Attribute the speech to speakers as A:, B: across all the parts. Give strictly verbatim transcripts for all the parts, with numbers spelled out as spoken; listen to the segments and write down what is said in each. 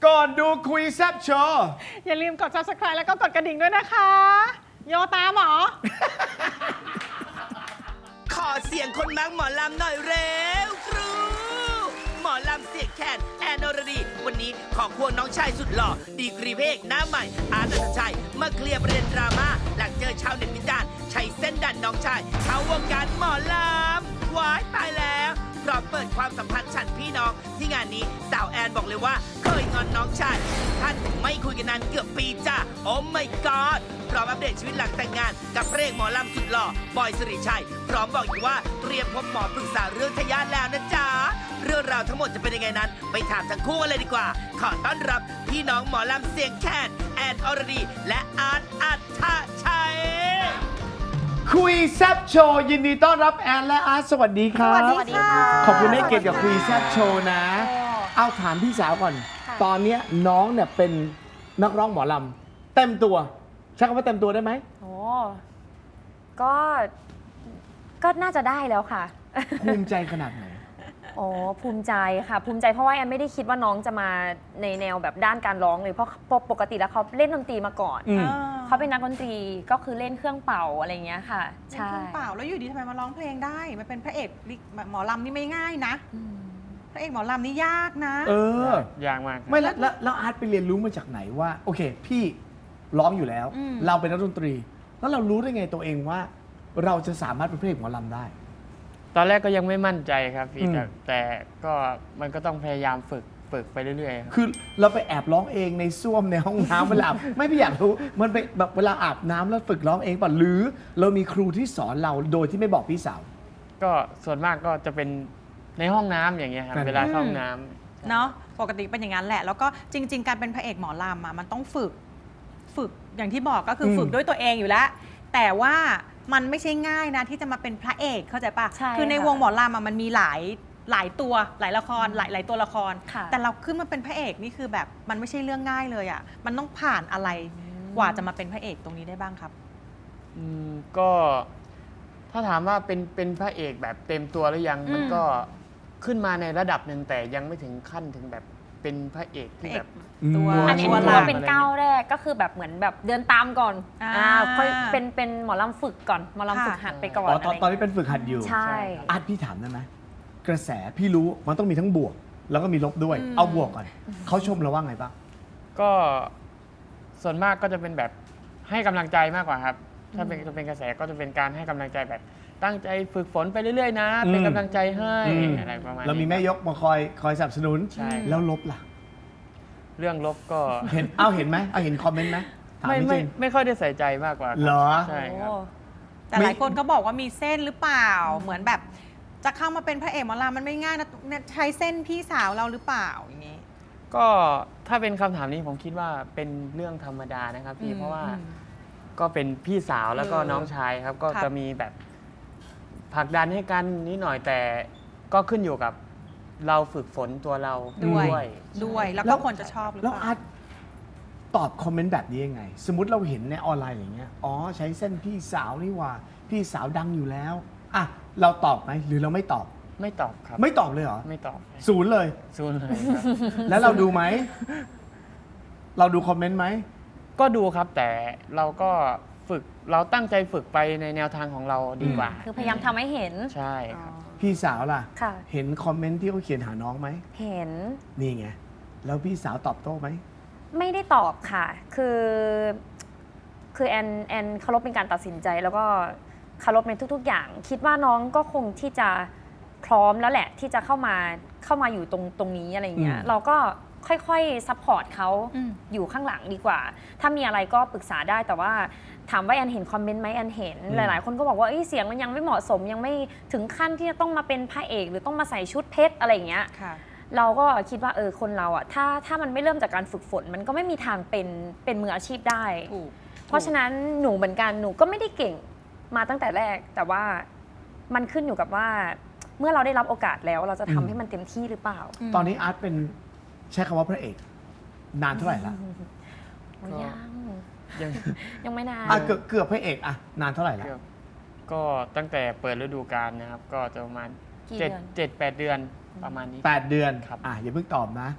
A: ก่อนดูคุยแซบโชว์
B: อย่าลืมกด ซับสไครบ์ แล้วก็กดกระดิ่งด้วยนะคะ โยตามเหรอ
C: ขอเสียงคนมักหมอลำหน่อยเร็วครูหมอลำเสียงแคนแอนอรดี วันนี้ขอควงน้องชายสุดหล่อ ดีกรีเพกหน้าใหม่ อาร์ตอัตชัย มาเคลียร์ประเด็นดราม่าหลังเจอชาวเน็ตวิจารณ์ใช้เส้นดันน้องชายเข้าวงการหมอลำว้ายตายแล้วพร้อมเปิดความสัมพันธ์ฉันพี่น้อง ที่งานนี้สาวแอนบอกเลยว่าเคยงอนน้องชายท่านไม่คุยกันนานเกือบปีจ้าโอ้ my god พร้อมอัปเดตชีวิตหลังแต่งงานกับพระเอกหมอลำสุดหล่อบอยสิริชัย พร้อมบอกอีกว่าเตรียมพบหมอปรึกษาเรื่องทายาทแล้วนะจ๊ะเรื่องราวทั้งหมดจะเป็นยังไงนั้นไปถามทั้งคู่กันเลยดีกว่า ขอต้อนรับพี่น้องหมอลำเสียงแคนแอนอรดี และอาร์ตอัตชัย
A: คุยแซบโชว์ยินดีต้อนรับแอนและอาร์ตสวัสดีครับ
B: สวัสดีค่ะ
A: ขอบคุณให้เกียรติกับคุยแซบโชว์นะ เอาถามพี่สาวก่อน
B: ค่ะ
A: ตอนเนี้ยน้องเนี่ยเป็นนักร้องหมอลำเต็มตัว ใช้คำว่าเต็มตัวได้ไหม
D: โอ้ก็ ก็น่าจะได้แล้วค่ะ
A: ภูมิใจขนาดไหน
D: โอ้ภูมิใจค่ะ ภูมิใจเพราะว่าแอนไม่ได้คิดว่าน้องจะมาในแนวแบบด้านการร้องเลยเพราะปกติแล้วเขาเล่นดนตรีมาก่อน
A: อืม
D: เขาเป็นนักดนตรีก็คือเล่นเครื่องเป่าอะไรอย่างเงี้ยค่ะ
B: ใช่
D: ใช่
B: เปล่าแล้วอยู่ดีทำไมมาร้องเพลงได้มันเป็นพระเอกหมอลำนี่ไม่ง่ายนะ
D: อืม
B: พระเอกหมอลำนี่ยากนะ
A: เออ
E: ยากมากครับ
A: ไม่แล้วแล้วแล้วอาร์ตไปเรียนรู้มาจากไหนว่า โอเค พี่ร้องอยู่แล้ว
B: อืม
A: เราเป็นนักดนตรี แล้วเรารู้ได้ไงตัวเองว่า เราจะสามารถเป็นพระเอกหมอลำได้
E: ตอนแรกก็ยังไม่มั่นใจครับพี่
A: อืม
E: แต่แต่ก็มันก็ต้องพยายามฝึกฝึกไปเรื่อยๆครับ
A: คือเราไปแอบร้องเองในส้วมในห้องน้ำเวลา ไม่พี่อยากรู้มันไปแบบเวลาอาบน้ำแล้วฝึกร้องเองป่ะหรือเรามีครูที่สอนเราโดยที่ไม่บอกพี่สาว
E: ก็ส่วนมากก็จะเป็นในห้องน้ำอย่างเงี้ยครับ
A: นั่น
E: เวลาเข้าห้องน้ำ
B: เนาะปกติเป็นอย่างนั้นแหละ แล้วก็จริง ๆ การเป็นพระเอกหมอลำอ่ะมันต้องฝึกฝึกอย่างที่บอกก็คืออ
A: ม
B: ฝึกด้วยตัวเองอยู่แล้ว แต่ว่ามันไม่ใช่ง่ายนะที่จะมาเป็นพระเอกเข้าใจปะ
D: ใช่
B: คือใน
D: ค่ะ
B: วงหมอลำอ่ะมันมีหลายหลายตัวหลายละครหลายหลายตัวละคร
D: ค่ะ
B: แต่เราขึ้นมาเป็นพระเอกนี่คือแบบมันไม่ใช่เรื่องง่ายเลยอ่ะมันต้องผ่านอะไรกว่าจะมาเป็นพระเอกตรงนี้ได้บ้างครับ
E: อืมก็ถ้าถามว่าเป็นเป็นพระเอกแบบเต็มตัวหรือยัง
B: อืม
E: มันก็ขึ้นมาในระดับหนึ่งแต่ยังไม่ถึงขั้นถึงแบบเป็นพระเอก
B: พระ
E: ที่
B: เอ
E: แบ
B: ก
E: บ
B: ตัว
A: อืม
D: อันนี้
B: ตัว
D: ถือ
B: หลั
D: ว่าก เป็นก้าวแรกก็คือแบบเหมือนแบบเดินตามก่อน
B: อ่า
D: อ่าค่อยเป็นเป็นหมอลำฝึกก่อนหมอลำฝึก
B: ค่ะ
D: หัดไปก่อน
A: อ๋อตอน
D: อะไร
A: ตอนนี้เป็นฝึกหัดอยู่
D: ใช่
A: อาร์ตพี่ถามได้ไหมกระแสพี่รู้มันต้องมีทั้งบวก แล้วก็มีลบด้วย
B: อืม
A: เอาบวกก่อนเขาชมเราว่าไงบ้าง
E: ก็ส่วนมากก็จะเป็นแบบให้กำลังใจมากกว่าครับ ถ้าเป็นจะเป็นกระแสก็จะเป็นการให้กำลังใจแบบตั้งใจฝึกฝนไปเรื่อยๆนะ
A: อืม
E: เป็นกำลังใจให้
A: อืม
E: อะไรประมาณนี้
A: เรามีแม่ยกมาคอยคอยสนับสนุน
E: ใช่
A: แล้วลบล่ะ
E: เรื่องลบก็
A: เห็นเอาเห็นไหมเอาเห็นคอมเมนต์ไหมถาม
E: ไม่
A: จ
E: ไม่
A: ริง
E: ไม่ค่อยได้ใส่ใจมากกว่าครับ
A: เหรอ
E: ใช่ครับ
D: โอ้
B: แต่หลายคนก็บอกว่ามีเส้นหรือเปล่า เหมือนแบบจะเข้ามาเป็นพระเอกหมอลำมันไม่ง่ายนะเนี่ยใช้เส้นพี่สาวเราหรือเปล่าอย่างนี้
E: ก็ถ้าเป็นคำถามนี้ผมคิดว่าเป็นเรื่องธรรมดานะครับพี่
B: อืม
E: เพราะว่า
B: อืม
E: ก็เป็นพี่สาวแล้วก็
B: เออ
E: น้องชายครับ ก็
B: ครับ
E: จะมีแบบผลักดันให้กันนิดหน่อยแต่ก็ขึ้นอยู่กับเราฝึกฝนตัวเรา
B: ด้วย
E: ด้วย
B: ด้วยแล้ว
A: แล้
B: ก็
A: ว
B: คนจะชอบหรือ
A: แล้ว
B: เป
A: อา
B: ล่า
A: ร์ตตอบคอมเมนต์แบบนี้ยังไง สมมติเราเห็นในออนไลน์อย่างเงี้ยอ๋อใช้เส้นพี่สาวนี่หว่า พี่สาวดังอยู่แล้วอ่ะเราตอบไหมหรือเราไม่ตอบ
E: ไม่ตอบครับ
A: ไม่ตอบเลยเหรอ
E: ไม่ตอบ
A: ศูนย์เลย
E: ซูนเลยครับ
A: แล้วเราดูไหม เราดูคอมเมนต์ไหม
E: ก็ดูครับแต่เราก็ฝึกเราตั้งใจฝึกไปในแนวทางของเราดีกว่า
D: คือพยายามทำให้เห็น
E: ใช่ครับ
A: พี่สาวล่ะ
D: ค่ะ
A: เห็นคอมเมนต์ที่เขาเขียนหาน้องไหม
D: เห็น
A: นี่ไง แล้วพี่สาวตอบโต้ไหม
D: ไม่ได้ตอบค่ะ คือ คือแอนแอนเคารพเป็นการตัดสินใจ แล้วก็เคารพในทุก ๆ อย่าง คิดว่าน้องก็คงที่จะพร้อมแล้วแหละ ที่จะเข้ามาเข้ามาอยู่ตรงตรงนี้อะไรเงี้ย
A: อืม
D: เราก็ค่อยๆซัพพอร์ตเขา
B: อืม
D: อยู่ข้างหลังดีกว่า ถ้ามีอะไรก็ปรึกษาได้ แต่ว่าถามว่าแอนเห็นคอมเมนต์ไหมแอนเห็น หลายๆ คนก็บอกว่าเอ้ยเสียงมันยังไม่เหมาะสม ยังไม่ถึงขั้นที่จะต้องมาเป็นพระเอก หรือต้องมาใส่ชุดเพชรอะไรอย่างเงี้ย
B: ค่ะ
D: เราก็คิดว่าเออคนเราอะถ้าถ้ามันไม่เริ่มจากการฝึกฝน มันก็ไม่มีทางเป็นเป็นมืออาชีพได้
B: ถูก
D: เพราะฉะนั้นหนูเหมือนกันหนูก็ไม่ได้เก่งมาตั้งแต่แรก แต่ว่ามันขึ้นอยู่กับว่า เมื่อเราได้รับโอกาสแล้ว เราจะทำให้มันเต็มที่หรือเปล่า
A: ตอนนี้อาร์ตเป็นใช้คำว่าพระเอก นานเท่าไหร่ละ
D: โอ้ยยัง
E: ยัง
D: ยังไม่นาน
A: อ่ะเกือบเกือบพระเอกอ่ะนานเท่าไหร่ละ
E: เกือบก็ตั้งแต่เปิดฤดูกาลนะครับ ก็จะประมาณ
D: กี่
E: เจ็ด
D: เดือน
E: เจ็ดแปดเดือนประมาณนี้
A: แปดเดือน
E: ครับ
A: อ่ะอย่าเพิ่งตอบนะ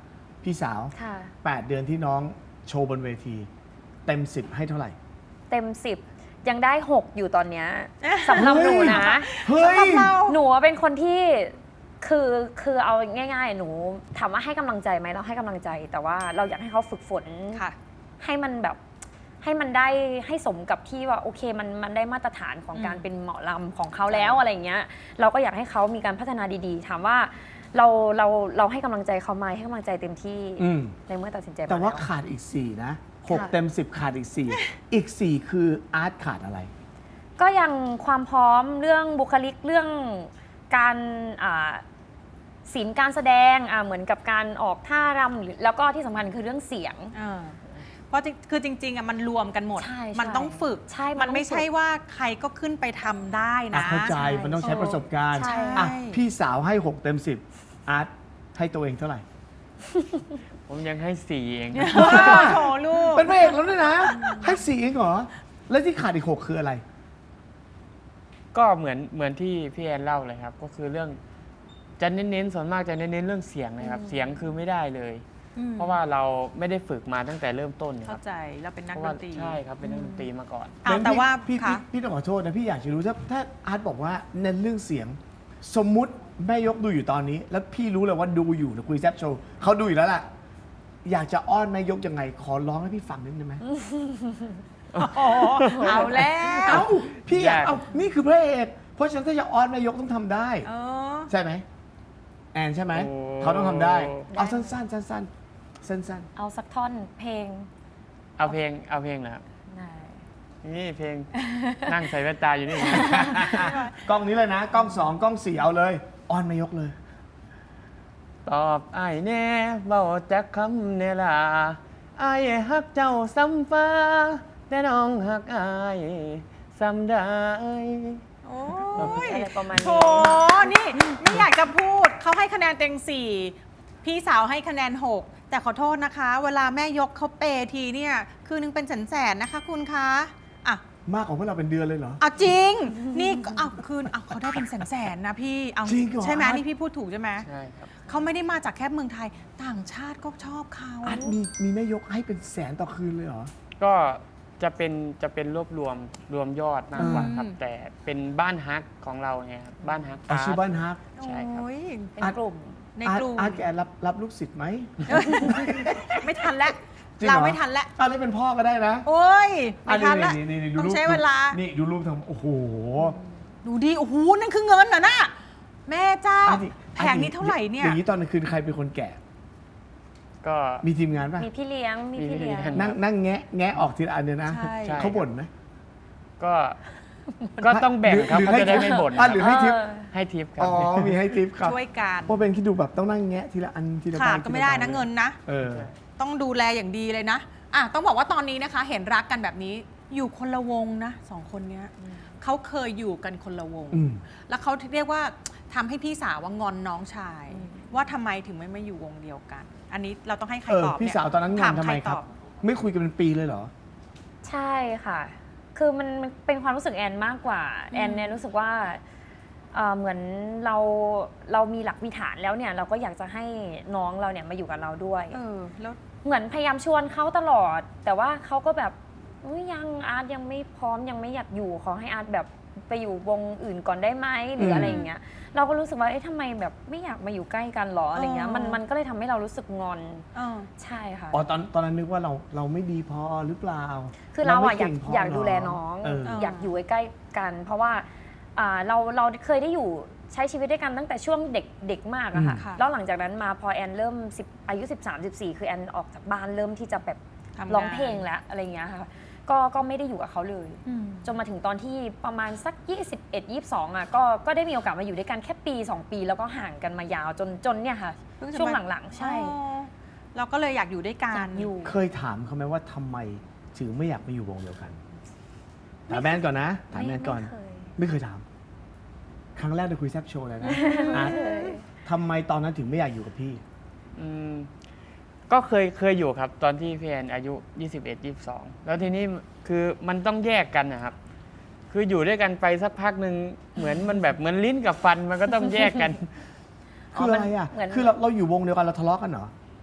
A: พี่สาว
D: ค่ะ
A: แปดเดือนที่น้องโชว์บนเวที เต็มสิบให้เท่าไหร่
D: เต็มสิบยังได้หกอยู่ตอนเนี้ยสำหรับหนูนะ
A: เฮ้ย
D: หนูเป็นคนที่คือคือเอาง่ายๆ หนูถามว่าให้กำลังใจไหมเราให้กำลังใจ แต่ว่าเราอยากให้เขาฝึกฝน
B: ค่ะ
D: ให้มันแบบให้มันได้ให้สมกับที่ว่าโอเคมันมันได้มาตรฐานของ
B: อืม
D: การเป็นหมอลำของเขาแล้วอะไรเงี้ยเราก็อยากให้เขามีการพัฒนาดีๆ ถามว่าเราเราเราให้กำลังใจเขาไหมให้กำลังใจเต็มที่
A: อืม
D: ในเมื่อตัดสินใจม
A: แต่ว่า
D: ล้
A: ขาดอีกสี่นะหก
D: ค่ะ
A: เต็มสิบขาดอีกสี่อีกสี่คืออาร์ตขาดอะไร
D: ก็ยังความพร้อมเรื่องบุคลิกเรื่องการอ่าศิลป์การแสดงอ่าเหมือนกับการออกท่ารำหรือแล้วก็ที่สำคัญคือเรื่องเสียง
B: เออเพราะจริงคือจริงๆอ่ะมันรวมกันหมด
D: ใช่
B: มันต้องฝึก
D: ใช่มัน
B: มัน
D: ต้อง
B: ไม่
D: ฝึก
B: ใช่ว่าใครก็ขึ้นไปทำได้
A: อ่ะ
B: นะ
A: เข้าใจ
D: ใช่
A: มันต้องใช้ประสบการณ์
D: ใช่
A: อ่ะพี่สาวให้หกเต็มสิบอาร์ตให้ตัวเองเท่าไหร่
E: ผมยังให้สี่เอง
B: โอ้โถลูก
A: เป็นพระเอกแล้วด้วยนะ ให้สี่เองเหรอ แล้วที่ขาดอีกหกคืออะไร
E: ก็เหมือนเหมือนที่พี่แอนเล่าเลยครับ ก็คือเรื่องจะเน้นๆส่วนมากจะเน้นๆเรื่องเสียงเลยครับ เสียงคือไม่ได้เลย
B: อืม
E: เพราะว่าเราไม่ได้ฝึกมาตั้งแต่เริ่มต้นค
B: เข้า
E: รับ
B: ใจเราเป็นนัก
E: เพราะ
B: ด
E: ว่าน
B: ตรี
E: ใช่ครับเป็นนักดนตรีมาก่อน
B: อ้าว
A: งั้น
B: แต่
A: พี่
B: ว่า
A: พี่พี่
B: ค่ะ
A: พี่ต้องขอโทษนะ พี่อยากจะรู้ถ้าถ้าอาร์ตบอกว่าเน้นเรื่องเสียง สมมุติแม่ยกดูอยู่ตอนนี้ แล้วพี่รู้เลยว่าดูอยู่นะคุยแซบโชว์เขาดูอยู่แล้วล่ะ อยากจะอ้อนแม่ยกยังไง ขอร้องให้พี่ฟังนิดได้ไหม
B: โอ้โหเอาแล้ว
A: เอ้าพี่อยาก
E: ยาก
A: เอานี่คือพระเอกเพราะฉะนั้นถ้าจะอ้อนแม่ยกต้องทำได้
B: เออ
A: ใช่ไหมแอนใช่ไหม
E: โอ้
A: เขาต้องทำได้ เอาสั้นๆสั้นๆสั้น
D: เอาสักท่อนเพลง
E: เอาเพลงเอาเพลงนะครับ
D: ได้
E: นี่เพลง นั่งใส่แว่นตาอยู่นี่
A: ๆ กล้องนี้เลยนะ กล้องสองกล้องสี่เอาเลยอ้อนแม่ยกเลย
E: ตอบไอ้ายแน่เบาจักคำเนล่ะไอ้ายฮักเจ้าซ้ำฟ้า แต่น้องฮักไอ้ายซ้ำได้
B: โอ้ย
D: อะไรประมาณ
B: โถ
D: นี้
B: นี่ไม่อยากจะพูดเขาให้คะแนนเต็งสี่พี่สาวให้คะแนนหกแต่ขอโทษนะคะ เวลาแม่ยกเขาเปย์ทีเนี่ย คือนึงเป็นแสนแสนๆนะคะคุณคะอ่ะ
A: มากกว่าพวกเราเป็นเดือนเลยเหรอ
B: เอาจริง นี่ก็เอาคืนเอาเขาได้เป็นแสนแสนๆนะพี่เอา
A: จริงเหรอ
B: ใช่ไหม
A: อาร์ต
B: นี่พี่พูดถูกใช่ไหม
E: ใช่ครับ
B: เขาไม่ได้มาจากแค่เมืองไทย ต่างชาติก็ชอบเขา
A: อาร์ตมีมีแม่ยกให้เป็นแสนต่อคืนเลยเหรอ
E: ก็จะเป็นจะเป็นรวบรวมรวมยอดมากกว่าครับ
B: อืม
E: แต่เป็นบ้านฮักของเราไงครับบ้านฮัก
A: เอาชื่อบ้านฮัก
E: ใช่ครับ
B: โอ้ย
D: เป็นกลุ่ม
B: ใน
A: อาร์
B: ก
A: ต
B: ลุ่ม
A: อาร์ตแกรับรับลูกศิษย์ไหม
B: ไม่ทันแล้ว
A: จริงเหรอ
B: เราไม่ทันแล้ว
A: อาร์ตเล่นเป็นพ่อก็ได้นะ
B: โอ้ยไม่
A: อ่ะ
B: ทันแล้ว
A: นี่นี่นี่ดู
B: ต้อง
A: รูป
B: ใช้เวลา
A: นี่ดูรูปทำโอ้โห
B: ดูดิ โอ้โห นั่นคือเงินเหรอน่ะแม่เจ้า
A: อันนี้
B: แผงนี้เท่าไหร่เนี่ย
A: อย่างนี้ตอนกลางคืนใครเป็นคนแกะ
E: ก็
A: มีทีมงานป่ะ
D: มีพี่เลี้ยงมีพี่เลี้ยง
E: มีพี่เลี้ยง
A: นั่งนั่งแงะแงะออกทีละอันเนี่ยนะ
B: ใช่
E: ใช่
A: เขาบ่นไหม
E: ก็ก็ต้องแบ่งครับ
A: หรือ
E: เขาจะได้
A: ให้
E: ไม่บ่น
A: อ่ะหรือให้ทิป
D: เออ
E: ให้ทิปครั
A: อ๋
E: บ
A: อ มีให้ทิปครับ
B: ช่วยกัน
A: เพราะเป็นคิดดูแบบต้องนั่งแงะทีละอันทีละ
B: ขาด
A: ใบ
B: ก็ไม่ได้นะ
A: ทีลใบ
B: เงินนะ
A: เออ
B: ต้องดูแลอย่างดีเลยนะ อ่ะ ต้องบอกว่าตอนนี้นะคะ เห็นรักกันแบบนี้ อยู่คนละวงนะสองคนเนี้ยเขาเคยอยู่กันคนละวง
A: อืม
B: แล้วเขาเรียกว่าทำให้พี่สาวว่างอนน้องชาย
D: อืม
B: ว่าทำไมถึงไม่มาอยู่วงเดียวกัน อันนี้เราต้องให้ใคร
A: เออ
B: ตอบ
A: พี่
B: เนี่ย
A: สาวตอนนั้นงอนทำไม
B: ใ
A: ครับ
B: ตอ
A: ไม่คุยกันเป็นปีเลยเหรอ
D: ใช่ค่ะ คือมันมันเป็นความรู้สึกแอนมากกว่า แอนเนี่ยรู้สึกว่าเอ่อเหมือนเราเรามีหลักมีฐานแล้วเนี่ย เราก็อยากจะให้น้องเราเนี่ยมาอยู่กับเราด้วย
B: เออ แล้ว
D: เหมือนพยายามชวนเขาตลอด แต่ว่าเขาก็แบบอุ๊ยยังอาร์ตยังไม่พร้อมยังไม่อยากอยู่ขอให้อาร์ตแบบไปอยู่วงอื่นก่อนได้ไหมหรืออะไรอย่างเงี้ย เราก็รู้สึกว่าเอ๊ะทำไมแบบไม่อยากมาอยู่ใกล้กันหรออะไรเงี้ย มันมันก็เลยทำให้เรารู้สึกงอน
B: เออ
D: ใช่ค่ะ
A: อ๋อ ตอนตอนนั้นนึกว่าเราเราไม่ดีพอหรือเปล่า
D: คือเรา
A: ไม่
D: อะอยาก
A: ก่งพ
D: อยากดูแล
A: เหร
D: น้อง
A: เออ
D: อยากอยู่ใกล้ๆกัน เพราะว่าอ่าเราเราเคยได้อยู่ใช้ชีวิตด้วยกันตั้งแต่ช่วงเด็กเด็กมากอะค่ะ
B: อืมค่ะ
D: แล้วหลังจากนั้นมาพอแอนเริ่ม10อายุ สิบสาม สิบสี่ คือแอนออกจากบ้านเริ่มที่จะแบบ
B: ทำงาน
D: ร้องเพลงแล้วอะไรเงี้ยค่ะก็ก็ไม่ได้อยู่กับเขาเลย
B: อืม
D: จนมาถึงตอนที่ประมาณสัก ยี่สิบเอ็ด ยี่สิบสอง อ่ะก็ก็ได้มีโอกาสมาอยู่ด้วยกันแค่ปี สอง ปี แล้วก็ห่างกันมายาวจนจนเนี่ยค่ะ
B: เพิ่งจะ
D: ช่วง
B: มา
D: หลังๆ ใช่
B: อ๋อเราก็เลยอยากอยู่ด้วยกั
D: อน ยากอยู่
A: เคยถามเขาไหมว่าทำไมถึงไม่อยากมาอยู่วงเดียวกัน ถามแมนก่อนนะ ถามแมนก่อน
D: ไม่เคย
A: ไม่เคยถาม ครั้งแรกในคุยแซบโชว์เลยนะอาร์ตทำไมตอนนั้นถึงไม่อยากอยู่กับพี่
E: อืมก็เคยเคยอยู่ครับ ตอนที่พี่แอนอายุ ยี่สิบเอ็ด ยี่สิบสอง แล้วทีนี้คือมันต้องแยกกันนะครับ คืออยู่ด้วยกันไปสักพักหนึ่งเหมือนมันแบบเหมือนลิ้นกับฟันมันก็ต้องแยกกัน
A: คืออะไรอ่ะ
D: เหมือน
A: คือเราเราอยู่วงเดียวกันเราทะเลาะกันเหรอ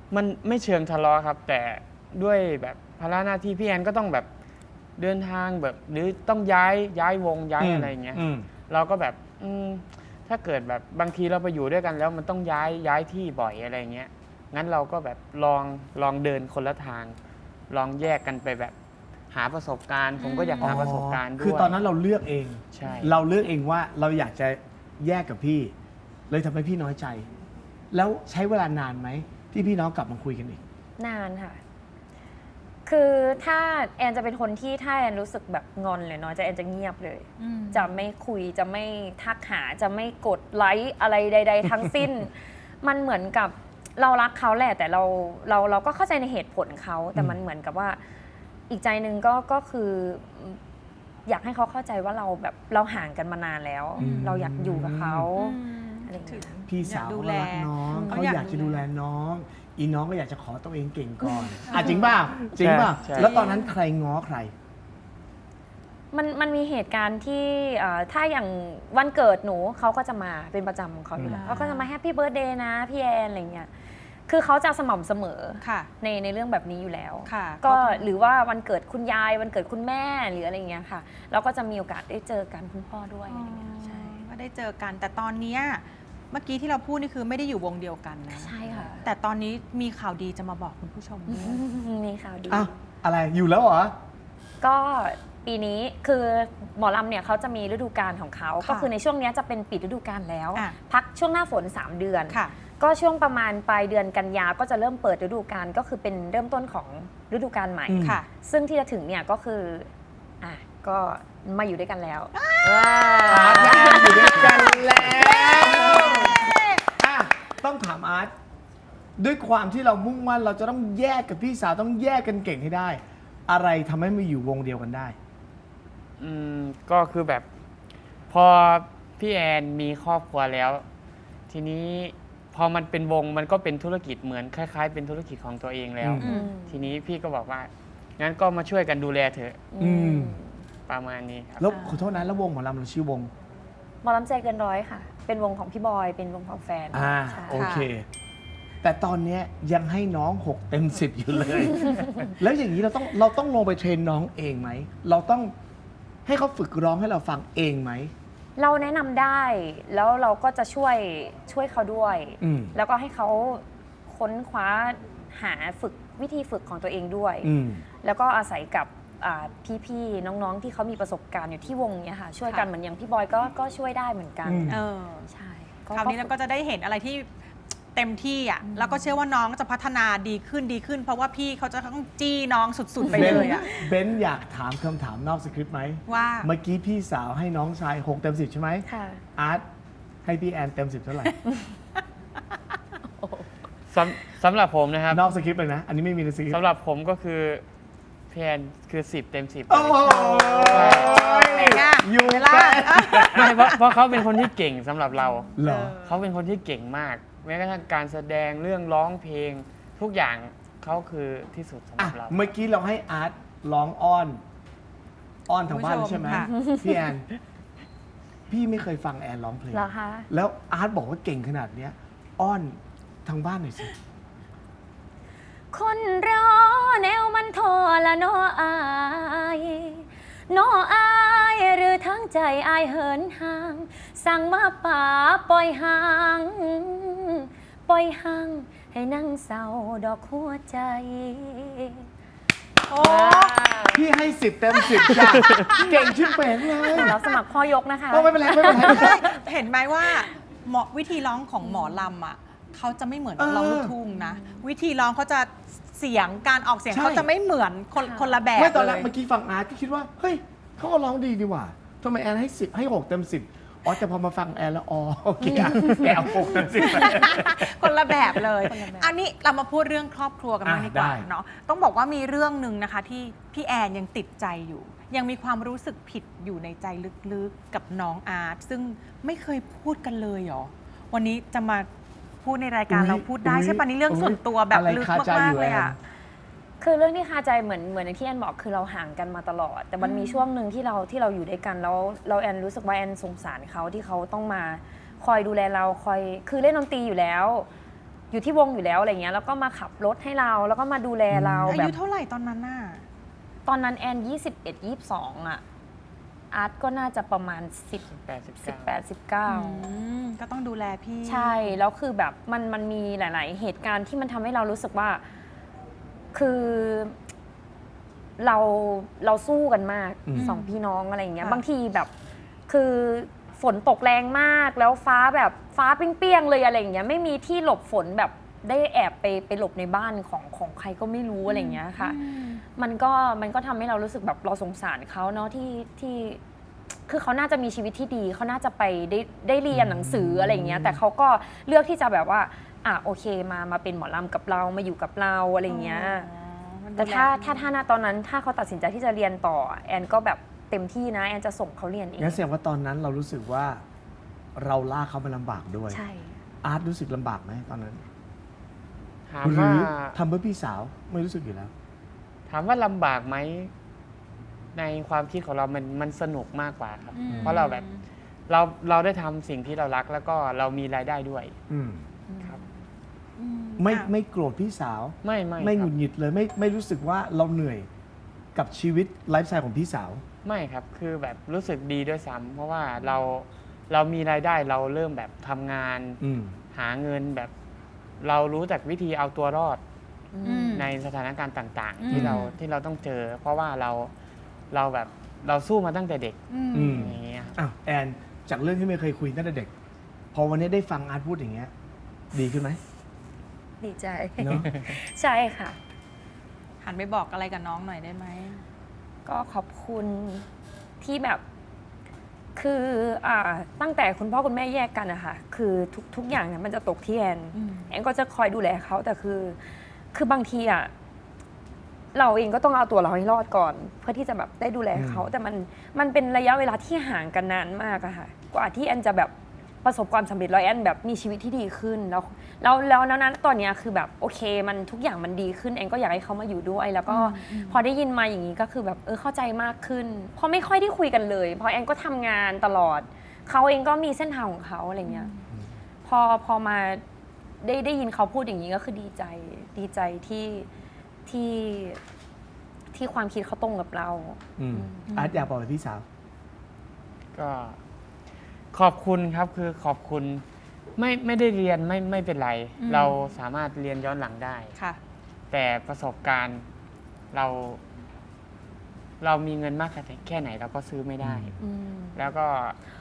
E: มันไม่เชิงทะเลาะครับ แต่ด้วยแบบภาระหน้าที่พี่แอนก็ต้องแบบเดินทางแบบหรือต้องย้ายย้ายวงย้ายอะไรอย่างเงี้ย
A: อืม
E: เราก็แบบอืมถ้าเกิดแบบบางทีเราไปอยู่ด้วยกันแล้วมันต้องย้ายย้ายที่บ่อยอะไรเงี้ยงั้นเราก็แบบลองลองเดินคนละทาง ลองแยกกันไปแบบหาประสบการณ์ ผมก็อยากหาประสบการณ์ด้วย
A: คือตอนนั้นเราเลือกเอง
E: ใช่
A: เราเลือกเองว่าเราอยากจะแยกกับพี่ เลยทำให้พี่น้อยใจ แล้วใช้เวลานานไหมที่พี่น้องกลับมาคุยกันอีก
D: นานค่ะ คือถ้าแอนจะเป็นคนที่ถ้าแอนรู้สึกแบบงอนเลยเนาะจะแอนจะเงียบเลย
B: อืม
D: จะไม่คุยจะไม่ทักหาจะไม่กดไลค์อะไรใด ๆ ทั้งสิ้น มันเหมือนกับเรารักเขาแหละแต่เราเราเราก็เข้าใจในเหตุผลเขาแต่มันเหมือนกับว่าอีกใจหนึ่งก็ก็คืออยากให้เขาเข้าใจว่าเราแบบเราห่างกันมานานแล้ว
A: อืม
D: เราอยากอยู่กับเขา
B: อืม
D: อะไรอย่างเงี้ย
A: พี่สาว
B: อยากดู
A: เขา
B: แล
A: รักน้อง
B: เขา
A: เขา
B: อยาก
A: อยากจะ
B: ดู
A: ดู
B: แล
A: แลน้อง อีน้องก็อยากจะขอตัวเองเก่งก่อนอ่ะจริงป่ะจริงป่ะ
E: ใช่
A: แล้วตอนนั้นใครง้อใคร
D: มันมันมีเหตุการณ์ที่เอ่อถ้าอย่างวันเกิดหนูเขาก็จะมาเป็นประจำของเขาอยู่แล้ว
B: อ่า
D: เขาก็จะมาแฮปปี้เบิร์ดเดย์นะพี่แอนอะไรเงี้ยคือเขาจะสม่ำเสมอ
B: ค่ะ
D: ในในเรื่องแบบนี้อยู่แล้ว
B: ค่ะ
D: ก็
B: เขาเป็น
D: หรือว่าวันเกิดคุณยายวันเกิดคุณแม่หรืออะไรเงี้ยค่ะเราก็จะมีโอกาสได้เจอกันคุณพ่อด้วยอะไรเงี้ยใช่
B: ก็ได้เจอกัน แต่ตอนเนี้ยเมื่อกี้ที่เราพูดนี่คือไม่ได้อยู่วงเดียวกันนะ
D: ใช่ค่ะ
B: แต่ตอนนี้มีข่าวดีจะมาบอกคุณผู้ชมด้วย
D: มีข่าวดี
A: อ้าวอะไรอยู่แล้วเหรอ
D: ก็ปีนี้คือหมอลำเนี่ยเขาจะมีฤดูกาลของเขา
B: ค่ะ
D: ก็คือในช่วงเนี้ยจะเป็นปิดฤดูกาลแล้ว
B: อ่ะ
D: พักช่วงหน้าฝนสามเดือน
B: ค่ะ
D: ก็ช่วงประมาณปลายเดือนกันยาก็จะเริ่มเปิดฤดูกาลก็คือเป็นเริ่มต้นของฤดูกาลใหม่
A: อืม
B: ค่ะ
D: ซึ่งที่จะถึงเนี่ยก็คืออ่ะก็มาอยู่ด้วยกันแล้ว
A: อาร์ตและแอนอยู่ด้วยกันแล้วอ่ะต้องถามอาร์ตด้วยความที่เรามุ่งมั่นเราจะต้องแยกกับพี่สาวต้องแยกกันเก่งให้ได้ อะไรทำให้มาอยู่วงเดียวกันได้
E: อืมก็คือแบบ พอพี่แอนมีครอบครัวแล้ว ทีนี้พอมันเป็นวงมันก็เป็นธุรกิจเหมือนคล้าย ๆ เป็นธุรกิจของตัวเองแล้ว
A: อืม
E: ทีนี้พี่ก็บอกว่างั้นก็มาช่วยกันดูแลเถอะ
A: อืม
E: ประมาณนี้ครับ
A: แล้วขอโทษนะแล้ววงหมอลำเราชื่อวง
D: หมอลำใจเกินร้อยค่ะ เป็นวงของพี่บอย เป็นวงของแฟน
A: อ่า
D: ใช่
A: โอเค แต่ตอนเนี้ยยังให้น้องหกเต็มสิบอยู่เลย แล้วอย่างนี้เราต้องเราต้องลงไปเทรนน้องเองไหม เราต้องให้เขาฝึกร้องให้เราฟังเองไหม
D: เราแนะนำได้แล้วเราก็จะช่วยช่วยเขาด้วย
A: อืม
D: แล้วก็ให้เขาค้นคว้าหาฝึกวิธีฝึกของตัวเองด้วย
A: อืม
D: แล้วก็อาศัยกับอ่าพี่ๆน้องๆที่เขามีประสบการณ์อยู่ที่วงเนี้ยค่ะช่วยกัน
B: ค่ะ
D: เหมือนอย่างพี่บอยก็ก็ช่วยได้เหมือนกัน
A: อืม
B: เออ
D: ใช่
B: คราวนี้เราก็จะได้เห็นอะไรที่เต็มที่อ่ะ แล้วก็เชื่อว่าน้องจะพัฒนาดีขึ้นดีขึ้น เพราะว่าพี่เขาจะต้องจี้น้องสุดๆไปเลยอ่ะ
A: เบนซ์อยากถามคำถามนอกสคริปต์ไหม
B: ว่า
A: เมื่อกี้พี่สาวให้น้องชายหกเต็มสิบใช่ไหม
D: ค่ะ
A: อาร์ตให้พี่แอนเต็มสิบเท่าไหร่
E: สำสำหรับผมนะครับ
A: นอกสคริปต์เลยนะ อันนี้ไม่มีในสคริปต์
E: สำหรับผมก็คือพี่แอนคือสิบเต็มสิบ
A: โอ้โห
B: ไหนอ่ะ
A: อยู่
B: เวลา
A: แค่
E: ไม่เพราะเพราะเขาเป็นคนที่เก่งสำหรับเรา
A: เหรอ
E: เขาเป็นคนที่เก่งมาก แม้กระทั่งการแสดงเรื่องร้องเพลง ทุกอย่างเขาคือที่สุดสำห
A: อ่ะ
E: รับเรา
A: เมื่อกี้เราให้อาร์ตร้องอ้อน อ้อนทางบ้านเลยใช่ไหม
B: ค่ะ
A: พี่แอน พี่ไม่เคยฟังแอนร้องเพลง
D: เหรอคะ
A: แล้วอาร์ตบอกว่าเก่งขนาดเนี้ย อ้อนทางบ้านหน่อยสิ
D: คนรอแนวมันทอละนออายนออายหรือทั้งใจอายเหินห่าง สั่งมาป่าปล่อยห่าง ปล่อยห่างให้นั่งเศร้าดอกหัวใจ
B: โอ้
A: พี่ให้สิบเต็มสิบจ้ะ เก่งชิบเป๋งเลย
D: รับสมัครพ่อยกนะคะ
A: โอ้ไม่เป็นไรไม่เป็นไรไม่เป็นไร
B: เห็นไหมว่าหมอวิธีร้องของหมอลำอ่ะเขาจะไม่เหมือน
A: เออ
B: ร้องลูกทุ่งนะ วิธีร้องเขาจะเสียงการออกเสียง
A: ใช่
B: เขาจะไม่เหมือนคน
D: ค่ะ
B: คนละแบบ
A: ไม่ตอนแรก
B: เลย
A: เมื่อกี้ฟังอาร์ตก็คิดว่า เฮ้ยเขาก็ร้องดีดีหว่าทำไมแอนให้สิบให้หกเต็มสิบอ๋อแต่พอมาฟังแอนแล้ว อ๋อโอเคอ่ะแกเอาหกเต็มสิบไป
B: คนละแบบเลย
D: คนละแบบ
B: อันนี้เรามาพูดเรื่องครอบครัวกันบ้าง
A: อ่ะ
B: ดีกว่า
A: ได้
B: เนาะ ต้องบอกว่ามีเรื่องหนึ่งนะคะที่พี่แอนยังติดใจอยู่ ยังมีความรู้สึกผิดอยู่ในใจลึกๆกับน้องอาร์ตซึ่งไม่เคยพูดกันเลยเหรอ วันนี้จะมาพูดในรายการเราพูดได้ใช่ปะนี่เรื่องส่วนตัวแบบลึกมากๆเลยอ่ะ
D: คือเรื่องที่คาใจเหมือนเหมือนที่แอนบอกคือเราห่างกันมาตลอด แต่มันมีช่วงหนึ่งที่เราที่เราอยู่ด้วยกันแล้วเราแอนรู้สึกว่าแอนสงสารเขาที่เขาต้องมาคอยดูแลเราคอยคือเล่นดนตรีอยู่แล้วอยู่ที่วงอยู่แล้วอะไรเงี้ยแล้วก็มาขับรถให้เราแล้วก็มาดูแลเรา
B: อา
D: แบ
B: ยุ
D: บ
B: เท่าไหร่ตอนนั้นน่ะ
D: ตอนนั้นแอนยี่สิบเอ็ด ยี่สิบสองอ่ะอาร์ตก็น่าจะประมาณสิบ
E: แปดสิบ
D: สิบ
E: เก้า
D: แปด สิบเก้า
B: อืมก็ต้องดูแลพี่
D: ใช่แล้วคือแบบมันมันมีหลาย ๆ เหตุการณ์ที่มันทำให้เรารู้สึกว่าคือเราเราสู้กันมาก
A: อืม
D: สองพี่น้องอะไรอย่างเงี้ย
B: ค่ะ
D: บางทีแบบคือฝนตกแรงมากแล้วฟ้าแบบฟ้าเปรี้ยงๆเลยอะไรอย่างเงี้ยไม่มีที่หลบฝนแบบได้แอบไปไปหลบในบ้านของของใครก็ไม่รู้อะไรอย่างเงี้ยค่ะ
B: อืม
D: มันก็มันก็ทำให้เรารู้สึกแบบเราสงสารเขาเนาะที่ที่คือเขาน่าจะมีชีวิตที่ดีเขาน่าจะไปได้ได้เรียนหนังสืออะไรอย่างเงี้ยแต่เขาก็เลือกที่จะแบบว่าอ่ะโอเคมามาเป็นหมอลำกับเรามาอยู่กับเราอะไรอย่างเงี้ย
B: อ๋อมันดู
D: แต่ถ้า
B: ลดี
D: ถ้าถ้าณตอนนั้นถ้าเขาตัดสินใจที่จะเรียนต่อแอนก็แบบเต็มที่นะแอนจะส่งเขาเรียนเอง
A: งั้นแสดงว่าตอนนั้นเรารู้สึกว่าเราลากเขามาลำบากด้วย
D: ใช่
A: อาร์ตรู้สึกลำบากไหมตอนนั้น
E: ถาม
A: หรื
E: ว่า
A: อทำเพื่อพี่สาวไม่รู้สึกอยู่แล้ว
E: ถามว่าลำบากไหมในความคิดของเรามันมันสนุกมากกว่าครับ
B: อืม
E: เพราะเราแบบเราเราได้ทำสิ่งที่เรารักแล้วก็เรามีรายได้ด้วย
A: อืม
E: ครับ
B: อื
A: ไม่
B: อ่ะ
A: ไม่โกรธพี่สาว
E: ไม่ไม่
A: ไม่
E: ค
A: ห
E: รั
A: งุ
E: บ
A: ดหงิดเลยไม่ไม่รู้สึกว่าเราเหนื่อยกับชีวิตไลฟ์สไตล์ของพี่สาว
E: ไม่ครับคือแบบรู้สึกดีด้วยซ้ำเพราะว่าเราเรามีรายได้เราเริ่มแบบทำงาน
A: อืม
E: หาเงินแบบ เรารู้จักวิธีเอาตัวรอด
B: อืม
E: ในสถานการณ์ต่าง
B: อืม
E: ๆ ที่เราที่เราต้องเจอ เพราะว่าเราเราแบบเราสู้มาตั้งแต่เด็ก
B: อืม
A: อืม
E: อย่างเงี้ยครับ
A: อ้าวแอนจากเรื่องที่ไม่เคยคุยตั้งแต่เด็ก พอวันนี้ได้ฟังอาร์ตพูดอย่างเงี้ย ดีขึ้นไหม
D: ดีใจ
A: เนอะ
D: ใช่ค่ะ
B: หันไปบอกอะไรกับน้องหน่อยได้ไหม
D: ก็ขอบคุณที่แบบคืออ่าตั้งแต่คุณพ่อคุณแม่แยกกันอะค่ะคือทุกทุกอย่างเนี่ยมันจะตกที่แอน
B: อืม
D: แอนก็จะคอยดูแลเขาแต่คือ คือบางทีอะเราเองก็ต้องเอาตัวเราให้รอดก่อน เพื่อที่จะแบบได้ดูแลเขา
A: อืม
D: แต่มันมันเป็นระยะเวลาที่ห่างกันนานมากอะค่ะกว่าที่แอนจะแบบประสบความสำเร็จแล้วแอนแบบมีชีวิตที่ดีขึ้นแล้วแล้วแล้วนั้นตอนเนี้ยคือแบบโอเคมันทุกอย่างมันดีขึ้นแอนก็อยากให้เขามาอยู่ด้วย แล้วก็
B: อืม
D: พอได้ยินมาอย่างนี้ก็คือแบบเออเข้าใจมากขึ้นเพราะไม่ค่อยได้คุยกันเลยเพราะแอนก็ทำงานตลอดเขาเองก็มีเส้นทางของเขาอะไรเงี้ยพอพอมาได้ได้ยินเขาพูดอย่างนี้ก็คือดีใจดีใจที่ที่ที่ความคิดเขาตรงกับเรา
A: อืมอาร์ตอยากบอกอะไรพี่สาว
E: ก็ขอบคุณครับคือขอบคุณไม่ไม่ได้เรียนไม่ไม่เป็นไร
B: อืม
E: เราสามารถเรียนย้อนหลังได้
B: ค่ะ
E: แต่ประสบการณ์เรา เรามีเงินมากแค่ไหนเราก็ซื้อไม่ได้
D: อืม
E: แล้วก็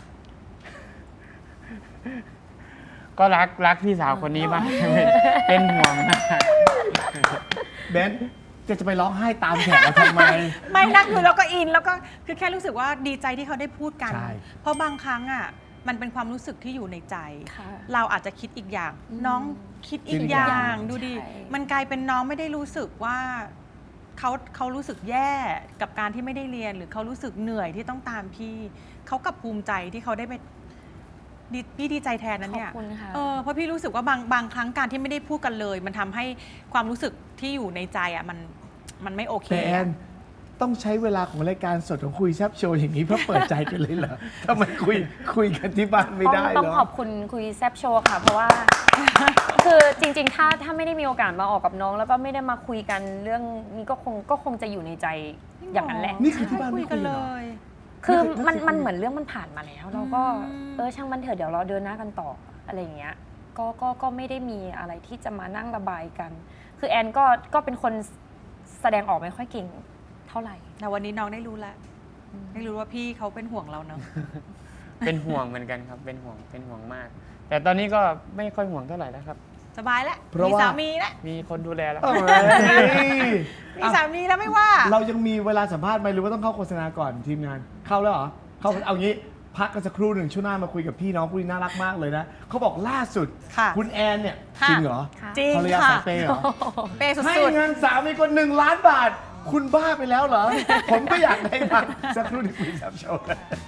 E: ก็รักรักพี่สาวคนนี้มาก เป็นห่วงมาก
A: เบนซ์จะจะไปร้องไห้ตามแขกเราทำไม
B: ไม่นะคือเราก็อินแล้วก็คือแค่รู้สึกว่าดีใจที่เขาได้พูดกัน
A: ใช่
B: เพราะบางครั้งอ่ะมันเป็นความรู้สึกที่อยู่ในใจ
D: ค่ะ
B: เราอาจจะคิดอีกอย่าง
D: อืม
B: น้องคิดอี
A: คิ
B: ก
A: ดอีก
B: อ
A: อย่าง
B: ย่างดูดิ
D: ใช่
B: มันกลายเป็นน้องไม่ได้รู้สึกว่าเขาเขารู้สึกแย่กับการที่ไม่ได้เรียน หรือเขารู้สึกเหนื่อยที่ต้องตามพี่เขากลับภูมิใจที่เขาได้ไปดีพี่ดีใจแทนนั้นเนี่ย
D: ขอบคุณค่ะ
B: เออเพราะพี่รู้สึกว่าบางบางครั้งการที่ไม่ได้พูดกันเลย มันทำให้ความรู้สึกที่อยู่ในใจอ่ะมันมันไม่โอเค
A: แต่แอ
B: อะ
A: นต้องใช้เวลาของรายการสดของคุยแซบโชว์อย่างนี้เพื่อเปิดใจกันเลยเหรอทำไมคุยคุยกันที่บ้านไม่ได้
D: ต้อง
A: เหร
D: ต้อง
A: อ
D: ขอบคุณคุยแซบโชว์ค่ะ เพราะว่า คือจริงๆ ถ้าถ้าไม่ได้มีโอกาสมาออกกับน้อง แล้วก็ไม่ได้มาคุยกันเรื่องนี้ก็คงก็คงจะอยู่ในใจอย่างนั้นแหละ
A: นี่คือที่บ้านไม่
B: คุยกัน
A: คุยเหร
B: เล
A: อ
B: ย
D: คือ
A: ไม่เคย
D: มัน
A: ไม่เคยคุย
D: มันเหมือนเรื่องมันผ่านมาแล้ว เราก็
B: อืม
D: เออช่างมันเถอะเดี๋ยวเราเดินหน้ากันต่ออะไรอย่างเงี้ยก็ก็ก็ไม่ได้มีอะไรที่จะมานั่งระบายกัน คือแอนก็ก็เป็นคนแสดงออกไม่ค่อยเก่งเท่าไหร่
B: แต่วันนี้น้องได้รู้แล้วได้รู้ว่าพี่เขาเป็นห่วงเราเนาะ
E: เป็นห่วงเหมือนกันครับ เป็นห่วงเป็นห่วงมาก แต่ตอนนี้ก็ไม่ค่อยห่วงเท่าไหร่แล้วครับ
B: สบายแล้ว
A: เพราะ
B: มี
A: ว่า
B: สามีแล้ว
E: มีคนดูแลแล้ว
A: เอ้ย
B: มีสามีแล้วไม่ว่า
A: เรายังมีเวลาสัมภาษณ์ไหมหรือว่าต้องเข้าโฆษณาก่อนทีมงาน เข้าแล้วเหรอ เข้าเอางี้พักกันสักครู่หนึ่งช่วงหน้ามาคุยกับพี่น้องคู่นี้น่ารักมากเลยนะเขาบอกล่าสุด
B: ค่ะ
A: คุณแอนเนี่ย
B: ค่ะ
A: จริงเหรอ
B: จริง
A: ภรรยา
B: ค่ะ
A: สายเปย์เหรอ
B: เปย์สุ
A: ให้
B: ด
A: เงินสามีคนหนึ่งล้านบาท คุณบ้าไปแล้วเหรอ ผมก็อยากได้บ้างสักครู่ที่คุยแซบโชว์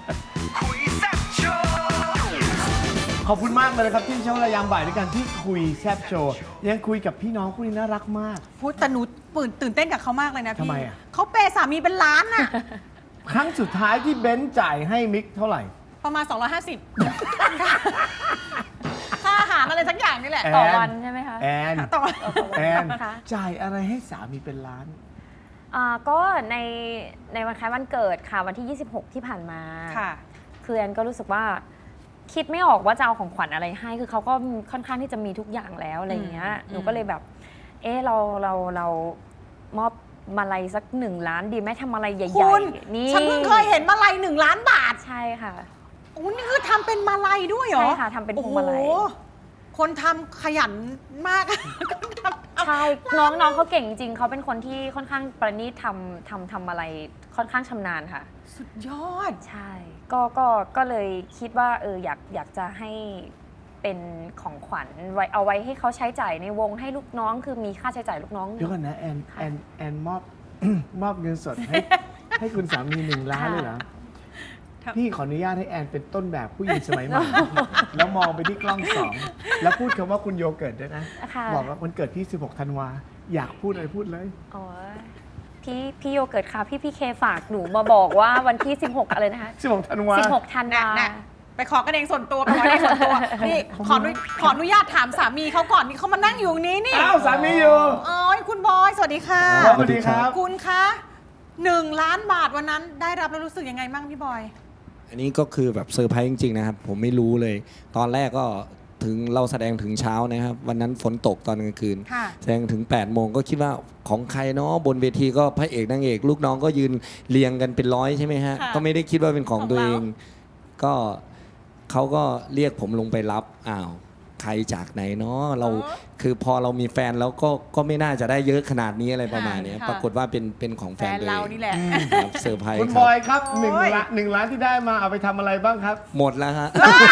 A: ขอบคุณมากเลยนะครับที่เช้าระยามบ่ายด้วยกันที่คุยแซบโชว์ยังคุยกับพี่น้องคู่นี้น่ารักมาก
B: ๆพูดแต่หนูตื่นตื่นเต้นกับเขามากเลยนะพี่
A: ทำไมอะ
B: เขาเปย์สามีเป็นล้านน่ะ
A: ครั้งสุดท้ายที่เบนซ์จ่ายให้มิกเท่าไหร่
B: ประมาณ สองร้อยห้าสิบ ค่าอาหารอะไรอะไรสักอย่างนี่แหละ
A: แอน
D: ต่อวันใช่ไหมคะ
A: แอน
B: ต่อ
A: แอน
D: ค่ะ
A: จ่ายอะไรให้สามีเป็นล้าน
D: อ่าก็ในในวันคล้ายวันเกิดค่ะวันที่ ยี่สิบหก ที่ผ่านมา
B: ค่ะ
D: คือแอนก็รู้สึกว่าคิดไม่ออกว่าจะเอาของขวัญอะไรให้ คือเขาก็ค่อนข้างที่จะมีทุกอย่างแล้วอะไรอย่างเงี้ย
B: อืม
D: หนูก็เลยแบบ เออเราเราเรามอบมาลัยสักหนึ่งล้านดีไหมทำอะไรใหญ่
B: คุณ
D: ๆนี่
B: ฉันเพิ่งเคยเห็นมาลัยหนึ่งล้านบาท
D: ใช่ค่ะ
B: โอ้นี่คือทำเป็นมาลัยด้วยเหรอ
D: ใช่ค่ะทำเป็นพวงมาลัย
B: โอ้โหคนทำขยันมาก
D: ใช่น้องน้องเขาเก่งจริงๆเขาเป็นคนที่ค่อนข้างประณีตทำทำทำอะไรค่อนข้างชำนาญค่ะ
B: สุดยอด
D: ใช่ ก็ก็ก็เลยคิดว่าเอออยากอยากจะให้เป็นของขวัญไว้เอาไว้ให้เขาใช้จ่ายในวงให้ลูกน้องคือมีค่าใช้จ่ายลูกน้อง
A: เดี๋ยวก่อนนะแอน
D: ค่ะ
A: แอนแอนมอบ มอบเงินสดให้ ให้คุณสามีหนึ่งล้านเลยเหรอ
B: ครับ
A: พี่ขออนุญาตให้แอนเป็นต้นแบบผู้หญิงสมัยใหม่ แล้วมองไปที่กล้องสองแล้วพูดคำว่าคุณโยเกิร์ตด้วยนะ
D: ค่ะ
A: บอกว่าวันเกิดพี่สิบหกธันวาอยากพูดอะไรพูดเลย
D: อ๋อพี่พี่โยเกิร์ตค่ะพี่พี่เคฝากหนูมาบอกว่าวันที่ สิบหก อะไรนะคะ
A: สิบหกธันวา
D: สิบหกธันวา
B: น่ะ ไปขอกันเองส่วนตัวไปขอกันเองส่วนตัว นี่ขออนุขออนุญาตถามสามีเขาก่อนนี่เขามานั่งอยู่ตรงนี้นี่
A: อ้าวสามีอยู่
B: โอ้ยคุณบอย สวัสดีค่ะ
A: สวัสดีครับ
B: คุณคะหนึ่งล้านบาทวันนั้นได้รับแล้วรู้สึกยังไงบ้างพี่บอย
F: อันนี้ก็คือแบบเซอร์ไพรส์จริงๆนะครับ ผมไม่รู้เลย ตอนแรกก็ถึงเราแสดงถึงเช้านะครับ วันนั้นฝนตกตอนกลางคืน
B: ค่ะ
F: แสดงถึง8ปดโมงก็คิดว่าของใครเนาะบนเวทีก็พระเอกนางเอก ลูกน้องก็ยืนเรียงกันเป็นร้อยใช่ไหมฮะ
B: ค่ะ
F: ก็ไม่ได้คิดว่าเป็นของ
B: ของ
F: ตัวเอ
B: เรา
F: ง ก็เขาก็เรียกผมลงไปรับอ้าวใครจากไหนเนาะเราคือพอเรามีแฟนแล้วก็ก็ไม่น่าจะได้เยอะขนาดนี้อะไรประมาณเนี้ย
B: ค่ะ
F: ปรากฏว่าเป็นเป็นของ
B: แฟ
F: แฟน
B: น
F: ตัวเอ
B: เรา
F: ง
B: นี่แหละ
F: ครับเซอร์ไพรส์
A: คุณ
F: ค
A: บ
F: รับ
A: อยครับหนึ่ง
B: โอ้ย
A: ล้านหนึ่งล้านที่ได้มาเอาไปทำอะไรบ้างครับ
F: หมดแล้วฮะ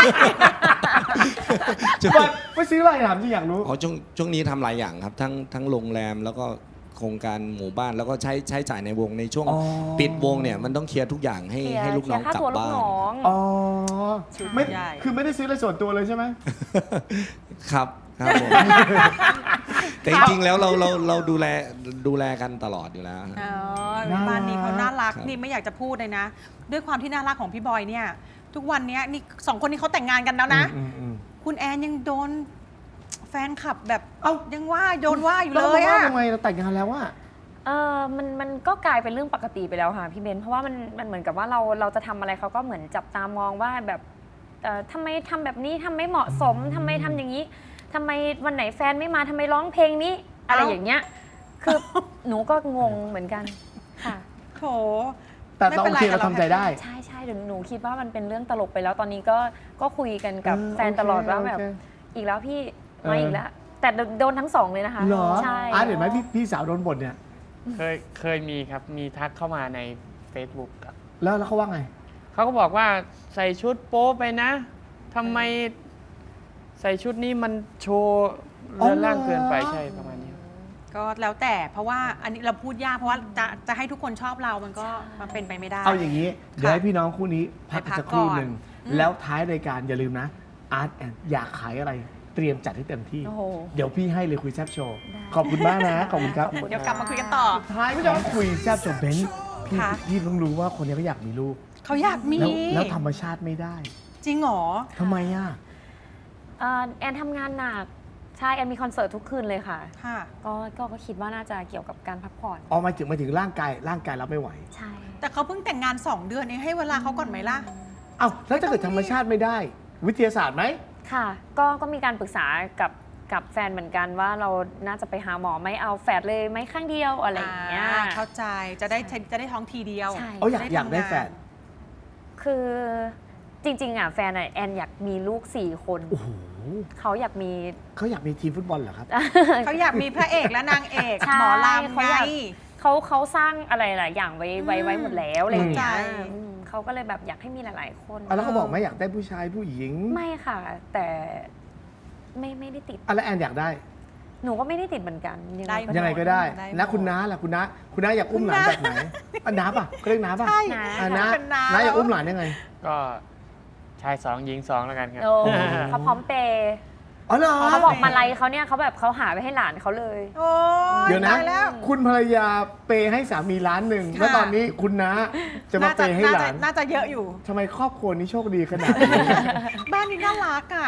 A: บอยไปซื้ออะไรถามที่อยากรู้
F: อ๋อช่วงช่วงนี้ทำหลายอย่างครับ ทั้งทั้งโรงแรมแล้วก็โครงการหมู่บ้านแล้วก็ใช้ใช้จ่ายในวงในช่วง
A: อ๋อ
F: ปิดวงเนี่ยมันต้องเคลียร์ทุกอย่างให้
D: เคลียร์
F: ให้ลูกน้อง
D: เคลียร์
F: กลับ
D: ค่าตัวลู
F: บ้าก น
D: น้อง
A: อ๋อไม่
B: ใหญ่
A: คือไม่ได้ซื้ออะไรส่วนตัวเลยใช่ไหม
F: ครับครับผมแต่จริงๆแล้วเราเราเราดูแลดูแลกันตลอดอยู่แล้ว
B: อ๋อ
A: น่ารัก
B: บ้านนี้เขาน่ารัก
F: ครับ
B: นี่ไม่อยากจะพูดเลยนะ ด้วยความที่น่ารักของพี่บอยเนี่ย ทุกวันเนี้ยนี่สองคนนี้เขาแต่งงานกันแล้วนะ
A: อืมอืม
B: คุณแอนยังโดนแฟนคลับแบบ
A: เอ้า
B: ยังว่าโดนว่าอยู่
A: เรา
B: เลย
A: ว่า
B: อะ
A: ทำไมเราแต่งงานแล้วอะ
D: เออมันมันก็กลายเป็นเรื่องปกติไปแล้วค่ะพี่เบนเพราะว่ามันมันเหมือนกับว่าเราเราจะทำอะไรเขาก็เหมือนจับตามองว่าแบบเอ่อทำไมทำแบบนี้ทำไม่เหมาะสมทำไมทำอย่างนี้ทำไมวันไหนแฟนไม่มาทำไมร้องเพลงนี้ อะไรอย่างเงี้ยคือ หนูก็งงเหมือนกันค่ะ
B: โถ
A: แต่
B: ไม่
A: เรา
B: เป็
A: โอน
B: ไร
A: เคเรา
B: แต่เรา
A: ทำใจได้
D: ใช่ใช่เดี๋ยวหนูคิดว่ามันเป็นเรื่องตลกไปแล้วตอนนี้ก็ก็คุยกันกับ
A: เออ
D: แฟนตลอดว่าแบบ
A: โอเค
D: อีกแล้วพี่
A: เออ
D: มาอีกแล้ว แต่โดนทั้งสองเลยนะคะ
A: เหรอ
D: ใช่
A: อาร์ตเห็นไหมพี่พี่สาวโดนบ่นเนี่ย
E: เคยเคยมีครับ มีทักเข้ามาใน Facebook ครับ
A: แล้วแล้วเขาว่าไง
E: เขาก็บอกว่าใส่ชุดโป๊ไปนะทำไมใส่ชุดนี้มันโชว์เรือนร่างเกินไปใช่ประมาณนี้ครับ
B: ก็แล้วแต่เพราะว่าอันนี้เราพูดยากเพราะว่าจะจะให้ทุกคนชอบเรามันก็มันเป็นไปไม่ได้
A: เอาอย่างนี้ เดี๋ยวให้พี่น้องคู่นี้พัก
B: ไปพัก
A: สักครู่
B: ก่อน
A: หนึ่ง
B: อืม
A: แล้วท้ายรายการอย่าลืมนะอาร์ตแอนอยากขายอะไร เตรียมจัดให้เต็มที่
D: โอ้โห
A: เดี๋ยวพี่ให้เลยคุยแซบโชว์
D: ได้
A: ขอบคุณมากนะ ขอบคุณครับ
B: เดี๋ยวกลับมาคุยกันต่อ
A: ท้ายพี่น้องคุยแซบโชว์เบนซ์พี่
B: ค่ะ
A: พี่เพิ่งรู้ว่าคนนี้เขาอยากมีลูก
B: เขาอยากมี
A: แล้วแล้วธรรมชาติไม่ได้
B: จริงเหรอ
A: ทำไมอ่ะ
D: เอ่อแอนทำงานหนักใช่แอนมีคอนเสิร์ตทุกคืนเลยค่ะ
B: ค่ะ
D: ก็ก็ก็คิดว่าน่าจะเกี่ยวกับการพักผ่อน
A: ออกมาถึงมาถึงร่างกายร่างกายรับไม่ไหว
D: ใช่
B: แต่เขาเพิ่งแต่งงานสองเดือนเองให้เวลาเขาก่อนไหมล่ะ
A: เอ้าแล้วถ้าเกิดธรรมชาติไม่ได้ วิทยาศาสตร์ไหม
D: ค่ะ ก็ก็มีการปรึกษากับกับแฟนเหมือนกันว่าเราน่าจะไปหาหมอไหม่เอาแฝดเลยไหมข้างเดียวอะไรอย่างเงี้ย
B: อ่าเข้าใจจะได้จะได้ท้องทีเดียว
D: ใช่
A: เอาอยาก
B: จะได้
A: อยากได้
B: ทำงาน
A: แฟน
D: คือจริง ๆอ่ะแฟนอะแอนอยากมีลูกสี่คน
A: โอ้โห
D: เขาอยากมี
A: เขาอยากมีทีมฟุตบอลเหรอครับ
B: เขาอยากมีพระเอกและนางเอก
D: ใช่
B: หมอลำ
D: เขา
B: ไง
D: อยาก เขาเขาสร้างอะไรหลายอย่างไว้ไว้ไว้หมดแล้วอะไรอย่างเงี้ย
B: เข้าใจ
D: อืมเขาก็เลยแบบอยากให้มีหลาย ๆ คน
A: อ่ะแล้วเขาบอกไหมอยากได้ผู้ชายผู้หญิง
D: ไม่ค่ะ แต่ไม่ไม่ได้ติด
A: อ่ะแล้วแอนอยากได้
D: หนูก็ไม่ได้ติดเหมือนกัน
B: ได้
A: ยังไงก็ได้
B: ได้หมด
A: แล้วคุณน้าล่ะคุณน้าคุณน้าอยากอุ้มหลานแบบไหนอ่ะน้าป่ะเขาเรียกน้าป่ะ
B: ใช่
A: อ่ะน้า
B: เป็นน้า
A: น้าอยากอุ้มหลานยังไง
E: ก็ชายสองหญิงสองแล้วกันครับ
D: โอ้เขาพร้อมเปย์
A: อ๋อเหรอ
D: เขาบอกมาลัยเขาเนี่ยเขาแบบเขาหาไปให้หลานเขาเลย
B: โอ้ย
A: เดี๋ยวนะ
B: ตายแล้ว
A: คุณภรรยาเปย์ให้สามีล้านหนึ่ง
B: ค่ะ
A: แล้วตอนนี้คุณน้าจะมาเปย์ให้หลาน
B: น่าจะเยอะอยู่
A: ทำไมครอบครัวนี้โชคดีขนาดนี้
B: บ้านนี้น่ารักอ่ะ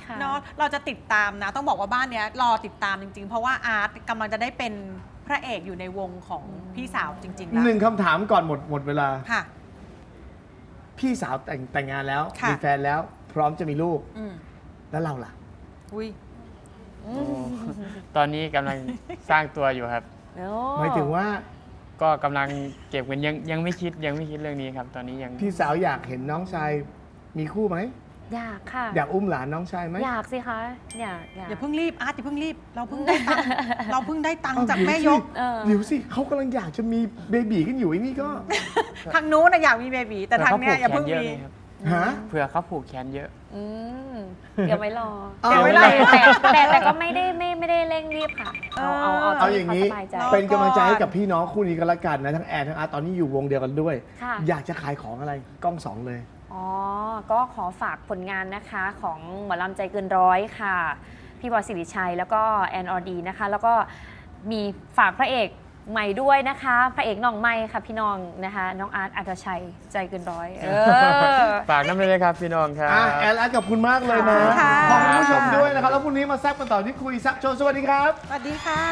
D: ค่ะ
B: เนาะเราจะติดตามนะ ต้องบอกว่าบ้านเนี้ยรอติดตามจริง ๆ เพราะว่าอาร์ตกำลังจะได้เป็นพระเอกอยู่ในวงของพี่สาวจริงๆแล้ว
A: หนึ่งคำถามก่อนหมดหมดเวลา
B: ค่ะ
A: พี่สาวแต่งแต่งงานแล้ว
B: ค่ะ
A: มีแฟนแล้ว พร้อมจะมีลูก
B: อืม
A: แล้วเราล่ะ
B: อุ้ย
E: ตอนนี้กำลังสร้างตัวอยู่ครับ
A: หมายถึงว่า
E: ก็กำลังเก็บเงินยังยังไม่คิดยังไม่คิดเรื่องนี้ครับ ตอนนี้ยัง
A: พี่สาวอยากเห็นน้องชายมีคู่ไหม
D: อยากค่ะ
A: อยากอุ้มหลานน้องชายไหม
D: อยากสิคะอยากอยาก
B: อย่าเพิ่งรีบอาร์ตอย่าเพิ่งรีบ เราเพิ่งได้ตังค์เราเพิ่งได้ตังค์จากแม่ยก
D: เออ
A: เดี๋ยวสิเขากำลังอยากจะมีเบบีกันอยู่ไอ้นี่ก็
B: ทางนู้นนะอยากมีเบบีแต่ทางเนี้ยอย่าเพิ่ง
E: เยอะ
B: มี
E: เลยครับ
A: ฮะ
E: เผื่อเขาผูกแขนเยอะ
D: อืมเดี๋ยวไม่รอ
A: เอา
B: เดี๋ยวไม่รอ
D: แต่แต่แต่ก็ไม่ได้ไม่ไม่ได้เร่งรีบค่ะ เอาเอาเอา
A: เอา
D: ที่
A: อย่างนี้
D: นี้สบายใจ
B: เนาะ
A: เป็นกำลังใจให้กับพี่น้องคู่นี้ก็แล้วกันนะ ทั้งแอนทั้งอาร์ตตอนนี้อยู่วงเดียวกันด้วย
D: ค่ะ
A: อยากจะขายของอะไรกล้องสองเลย
D: อ๋อ ก็ขอฝากผลงานนะคะของหมอลำใจเกินร้อยค่ะ พี่บอยสิริชัยแล้วก็แอนออดีนะคะ แล้วก็มีฝากพระเอกใหม่ด้วยนะคะ พระเอกน้องใหม่ค่ะพี่น้องนะคะ น้องอาร์ตอัตชัยใจเกินร้อย เออ
E: ฝากน้ำเลยครับพี่น้องครับ
A: อ่ะแอนอาร์ตขอบคุณมากเลยนะ
B: ค่ะ
A: ขอบคุณผู้ชมด้วยนะครับ แล้วพรุ่งนี้มาแซ่บกันต่อที่คุยแซับโชว์สวัสดีครับ
B: สวัสดีค่ะ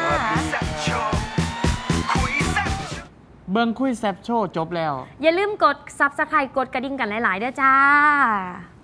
E: เบิ้งคุยแซบโชว์จบแล้ว
D: อย่าลืมกด ซับสไครบ์ กดกระดิ่งกันหลาย ๆ ด้วยจ้า